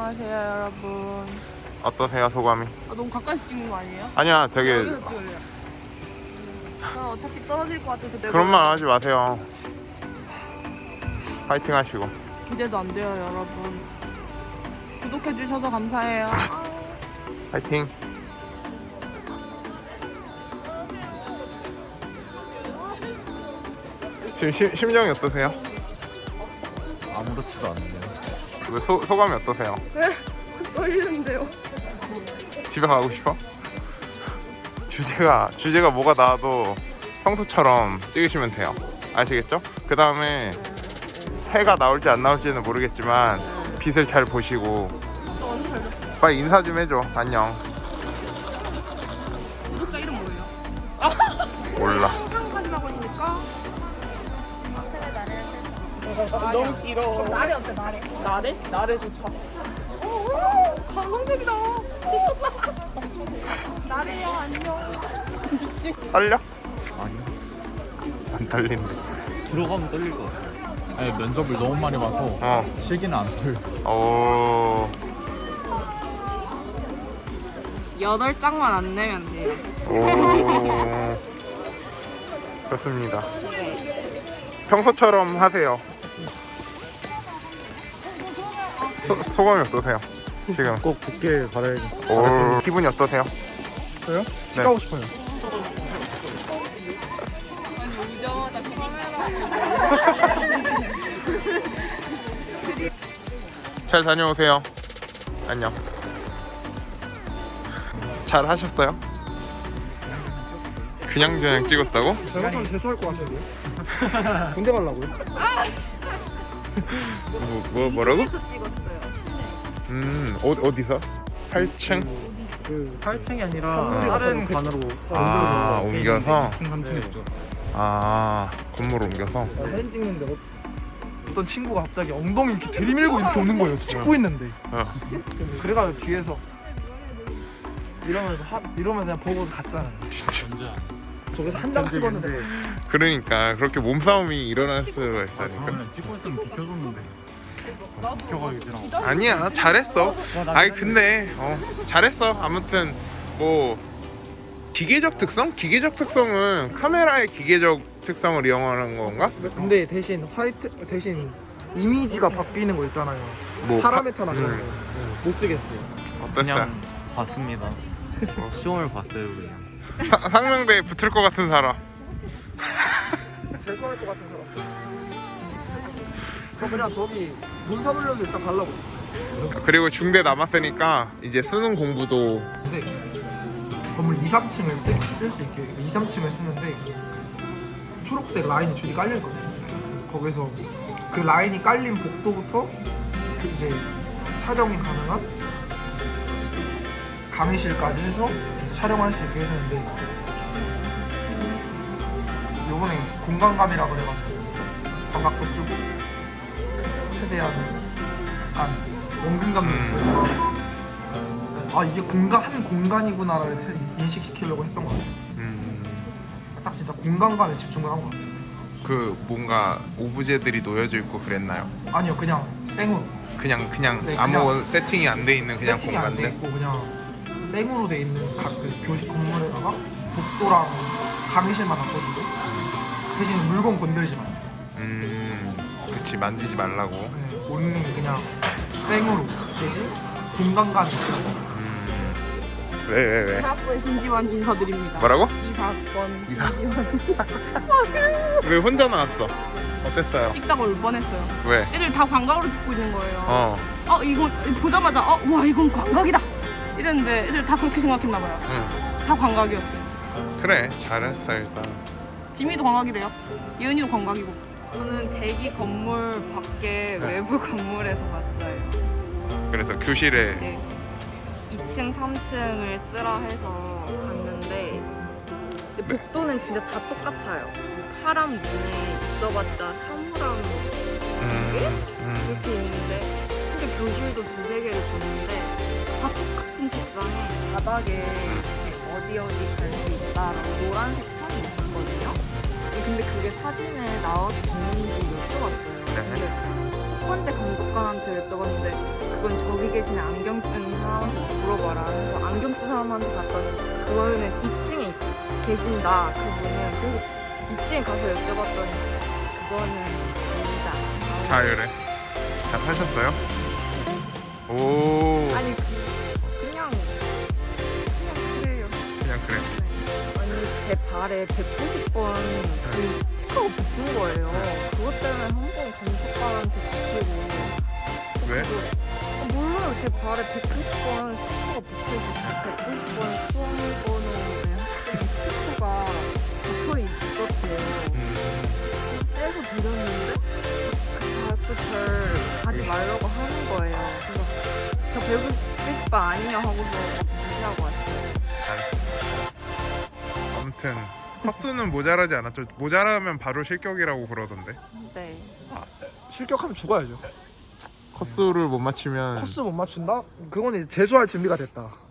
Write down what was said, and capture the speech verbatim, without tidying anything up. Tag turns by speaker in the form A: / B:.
A: 안녕하세요 여러분.
B: 어떠세요 소감이?
A: 아, 너무 가까이서 찍는 거 아니에요?
B: 아니야 되게
A: 여기서 찍을래요. 저 어차피 떨어질 것 같아서 내가
B: 그런 말 하지 마세요. 파이팅 하시고.
A: 기대도 안 돼요 여러분. 구독해 주셔서 감사해요.
B: 파이팅. 지금 시, 심정이 어떠세요?
C: 아무렇지도 않네요.
B: 왜 소, 소감이 어떠세요?
A: 왜? 떨리는데요.
B: 집에 가고 싶어? 주제가 주제가 뭐가 나와도 평소처럼 찍으시면 돼요. 아시겠죠? 그 다음에 해가 나올지 안 나올지는 모르겠지만 빛을 잘 보시고 빨리 인사 좀 해줘. 안녕.
A: 구독자 이름 뭐예요?
B: 몰라.
A: 사진 하고 있으니까 너무 길어. 나래 어때 나래? 나래? 나래 좋다. 오, 감성적이다. 나래야 안녕. 미친.
B: 떨려?
C: 아니요.
B: 안 떨린대.
C: 들어가면 떨릴 것 같아요. 아니, 면접을 너무 많이 봐서
B: 어.
C: 실기는 안 떨려.
B: 오.
A: 여덟 장만 안 내면 돼요.
B: 오. 좋습니다. 평소처럼 하세요. 소, 소감이 어떠세요? 지금
C: 꼭 붙길 바라야겠
B: 오. 기분이 어떠세요?
C: 저요?
B: 네.
C: 가고 싶어요.
A: 오자마자 카메라.
B: 잘 다녀오세요. 안녕. 잘 하셨어요? 그냥 그냥 찍었다고?
C: 잘못하면 재수할 것 같은데요? 군대 가려고요?
B: 뭐, 뭐 뭐라고?
A: 찍었어요.
B: 음 어, 어디서? 팔 층?
C: 그 팔 층이 아니라
B: 어.
C: 다른 관으로
B: 아, 옮겨서?
C: 이 층, 삼 층에 있죠.
B: 아 건물 옮겨서?
D: 사진 찍는데 어- 어떤 친구가 갑자기 엉덩이 이렇게 들이밀고 이렇게 오는 거예요. 찍고 있는데.
B: 어.
D: 그래가지고 뒤에서 이러면서 하, 이러면서 그냥 보고 갔잖아요. 저기서 한 장 찍었는데
B: 그러니까 그렇게 몸싸움이 일어날 수가 있다니까.
C: 다음에 찍고 있으면 비켜줬는데 비켜가기 싫어.
B: 아니야 잘했어. 아니 근데 어 잘했어. 아무튼 뭐 기계적 특성? 기계적 특성은 카메라의 기계적 특성을 이용하는 건가?
D: 근데 대신 화이트 대신 이미지가 바뀌는 거 있잖아요.
B: 뭐
D: 파라메타나 그런
B: 음.
D: 거. 못 쓰겠어요.
B: 어땠어요?
C: 봤습니다. 시험을 봤어요 그냥.
B: 사, 상명대에 붙을 것 같은 사람.
D: 재수할 것 같은 사람. 저 그냥 저기 문서 돌려서 일단 가려고.
B: 그리고 중대 남았으니까 이제 수능 공부도
D: 근데 건물 이, 삼 층을 쓸 수 있게 이, 삼 층을 쓰는데 초록색 라인 줄이 깔려 있거든요. 거기서 그 라인이 깔린 복도부터 그 이제 촬영이 가능한 강의실까지 해서 이제 촬영할 수 있게 해주는데 요번에 공간감이라 그래가지고 광각도 쓰고 최대한 약간 원근감
B: 음.
D: 느껴서 아 이게 공간 한 공간이구나를 인식시키려고 했던 것 같아요.
B: 음,
D: 딱 진짜 공간감에 집중을 한 것 같아요.
B: 그 뭔가 오브제들이 놓여져 있고 그랬나요?
D: 아니요 그냥 생으로
B: 그냥 그냥
D: 네,
B: 아무
D: 그냥
B: 세팅이 안 돼 있는 그냥
D: 세팅이 안 돼
B: 공간들.
D: 있고 그냥 생으로 돼 있는 각 그 교실 건물에다가 복도랑 강의실만 놨거든요. 대신 물건 건드리지 마요.
B: 음, 그치 만지지 말라고.
D: 네, 온리 그냥 생으로 대신 공간감이 있어요.
B: 음, 왜 왜 왜?
A: 이사학번 신지원 인사드립니다.
B: 뭐라고?
A: 이사학번
B: 이사-
A: 신지원.
B: 왜 혼자 나왔어? 어땠어요?
A: 찍다가 울 뻔했어요.
B: 왜?
A: 애들 다 광각으로 찍고 있는 거예요.
B: 어,
A: 어 이거 보자마자 어 와 이건 광각이다 이랬는데 애들 다 그렇게 생각했나 봐요.
B: 응,
A: 다 광각이었어요.
B: 그래 잘했어 일단.
A: 지미도 광각이래요. 예은이도 광각이고.
E: 저는 대기 건물 밖에
B: 네.
E: 외부 건물에서 봤어요.
B: 그래서 교실에
E: 네. 이 층, 삼 층을 쓰라 해서 갔는데 근데 복도는 진짜 다 똑같아요. 파란 문에 있어봤자 사물함
B: 음, 음,
E: 이렇게 있는데 근데 교실도 두세 개를 봤는데 다 똑같은 책상에 바닥에 이렇게 어디 어디 갈 수 있다라고 노란색 선이 있었거든요. 근데 그게 사진에 나와도 되는지 여쭤봤어요.
B: 네.
E: 근데 첫 번째 감독관한테 여쭤봤는데 그건 저기 계시는 안경 쓴 사람한테 물어봐라. 그래서 안경 쓴 사람한테 갔더니 그거는 이 층에 계신다. 그분은. 그래서 이 층에 가서 여쭤봤더니 그거는 아니다.
B: 자유래. 잘 사셨어요? 오.
E: 아니 그, 그냥 그냥 그래요.
B: 그냥 그래.
E: 아니 제 발에 백구십 번 그 스티커가 붙은 거예요. 그것 때문에 한 번 검색관한테 잡히고.
B: 왜?
E: 아, 몰라요. 제 발에 백구십 번 스티커가 붙어있었어요. 백구십 번 수험번호에 학생 스티커가 붙어 있었대요.
B: 음.
E: 떼서 드렸는데 그 자꾸 절 가지 말라고 하는 거예요. 그래서 저 백구십 번 아니냐 하고서 무시하고 왔어요.
B: 알았어. 아무튼 컷수는 모자라지 않았죠. 모자라면 바로 실격이라고 그러던데.
E: 네.
D: 실격하면 죽어야죠.
B: 컷수를 못 맞추면
D: 코스 못 맞춘다? 그건 이제 재수할 준비가 됐다.